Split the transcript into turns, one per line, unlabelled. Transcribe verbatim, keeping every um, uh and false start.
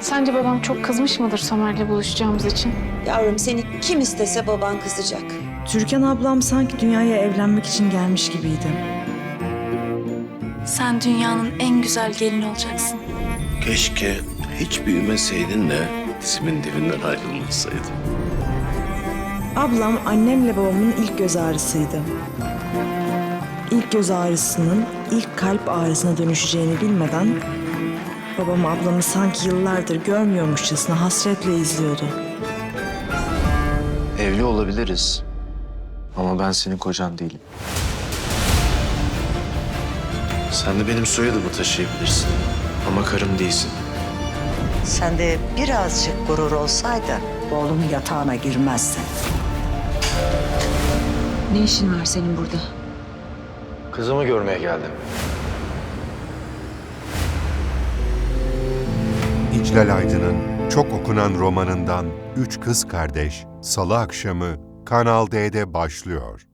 Sence babam çok kızmış mıdır Somer'le buluşacağımız için?
Yavrum seni kim istese baban kızacak.
Türkan ablam sanki dünyaya evlenmek için gelmiş gibiydi.
Sen dünyanın en güzel gelini olacaksın.
Keşke hiç büyümeseydin de dizimin dibinden ayrılmasaydın.
Ablam annemle babamın ilk göz ağrısıydı. İlk göz ağrısının ilk kalp ağrısına dönüşeceğini bilmeden babam ablamı sanki yıllardır görmüyormuşçasına hasretle izliyordu.
Evli olabiliriz. Ama ben senin kocan değilim. Sen de benim soyadımı taşıyabilirsin. Ama karım değilsin.
Sende birazcık gurur olsaydı oğlum yatağına girmezdi.
Ne işin var senin burada?
Kızımı görmeye geldim.
İclal Aydın'ın çok okunan romanından Üç Kız Kardeş, Salı akşamı Kanal D'de başlıyor.